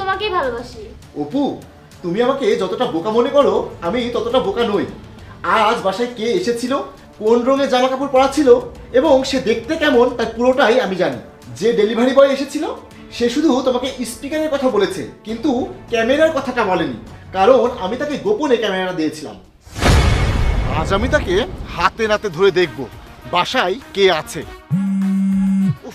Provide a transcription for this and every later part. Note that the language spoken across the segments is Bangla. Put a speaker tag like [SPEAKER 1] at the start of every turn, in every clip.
[SPEAKER 1] তোমাকেই ভালোবাসি।
[SPEAKER 2] অপু, তুমি আমাকে যতটা বোকা মনে করো আমি ততটা বোকা নই। আজ বাসায় কে এসেছিল, কোন রঙের জামা কাপড় পরা ছিল এবং সে দেখতে কেমন তার পুরোটাই আমি জানি। যে ডেলিভারি বয় এসেছিল সে শুধু তোমাকে স্পিকারের কথা বলেছে, কিন্তু ক্যামেরার কথাটা বলেনি, কারণ আমি তাকে গোপনে ক্যামেরা দিয়েছিলাম। আজ আমি তাকে হাতে নাতে ধরে দেখব বাসায় কে আছে। উফ,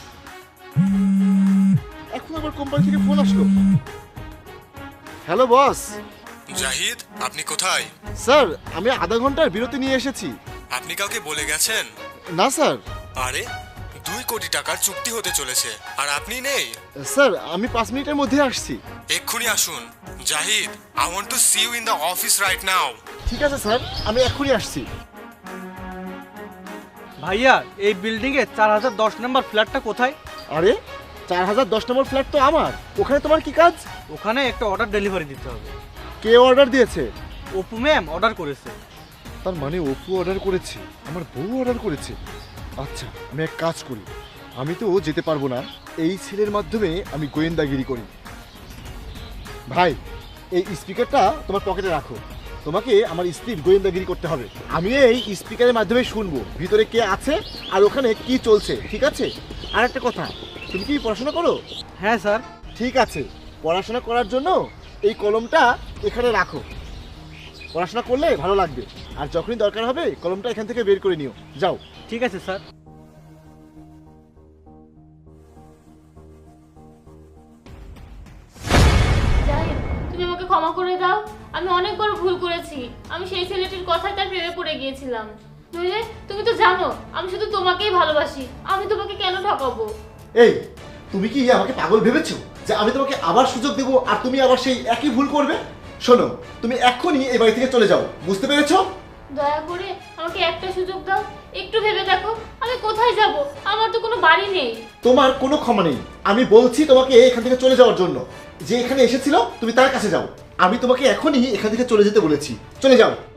[SPEAKER 2] এখন আবার কোম্পানি থেকে ফোন আসলো। Hello boss.
[SPEAKER 3] জাহিদ, আপনি কোথায়?
[SPEAKER 2] স্যার, আমি আধা ঘন্টার বিরতি নিয়ে এসেছি।
[SPEAKER 3] আপনি কাউকে বলে গেছেন?
[SPEAKER 2] না স্যার।
[SPEAKER 3] আরে 2 কোটি টাকার চুক্তি হতে চলেছে আর আপনি নেই।
[SPEAKER 2] স্যার, আমি 5 মিনিটের মধ্যে আসছি।
[SPEAKER 3] এক্ষুনি আসুন। Zahid, I want to see you in the office right now.
[SPEAKER 2] ঠিক আছে স্যার, আমি এক্ষুনি আসছি।
[SPEAKER 4] ভাইয়া, এই বিল্ডিং এ 4010 নম্বর ফ্ল্যাটটা কোথায়?
[SPEAKER 2] আরে 4010 নম্বর ফ্ল্যাট তো আমার, ওখানে তোমার কি কাজ?
[SPEAKER 4] ওখানে একটা অর্ডার ডেলিভারি দিতে হবে।
[SPEAKER 2] কে অর্ডার দিয়েছে?
[SPEAKER 4] অপু ম্যাম অর্ডার করেছে।
[SPEAKER 2] তার মানে অপু অর্ডার করেছে, আমার বউ অর্ডার করেছে। আচ্ছা, আমি এক কাজ করি, আমি তো যেতে পারবো না, এই ছেলের মাধ্যমে আমি গোয়েন্দাগিরি করি। ভাই, এই স্পিকারটা তোমার পকেটে রাখো, তোমাকে আমার স্ত্রীর গোয়েন্দাগিরি করতে হবে। আমি এই স্পিকারের মাধ্যমে শুনবো ভিতরে কে আছে আর ওখানে কি চলছে, ঠিক আছে? আর একটা কথা, তুমি কি পড়াশোনা করো?
[SPEAKER 4] হ্যাঁ স্যার।
[SPEAKER 2] ঠিক আছে, পড়াশোনা করার জন্য এই কলমটা এখানে রাখো, পড়াশোনা করলে ভালো লাগবে। আর যখনই দরকার হবে কলমটা এখান থেকে বের করে নিও, যাও।
[SPEAKER 4] ঠিক আছে স্যার।
[SPEAKER 1] জাহিদ, তুমি আমাকে ক্ষমা করে দাও। আমি অনেক বড় ভুল করেছি। আমি সেই ছেলেটির কথায় তার প্রেমে পড়ে গিয়েছিলাম। নইলে তুমি তো জানো আমি শুধু তোমাকেই ভালোবাসি। আমি তোমাকে কেন ঠকাবো?
[SPEAKER 2] এই, তুমি কি আমাকে পাগল ভেবেছো যে আমি তোমাকে আবার সুযোগ দেবো আর তুমি আবার সেই একই ভুল করবে? শোনো, তুমি এক্ষুনি এই বাড়ি থেকে চলে যাও, বুঝতে পেরেছো?
[SPEAKER 1] দয়া করে আমাকে একটা সুযোগ দাও। একটু ভেবে দেখো, আমি কোথায় যাব? আমার তো কোনো বাড়ি নেই।
[SPEAKER 2] তোমার কোনো ক্ষমা নেই। আমি বলছি তোমাকে এখান থেকে চলে যাওয়ার জন্য। যে এখানে এসেছিল তুমি তার কাছে যাও। আমি তোমাকে এখনই এখান থেকে চলে যেতে বলেছি, চলে যাও।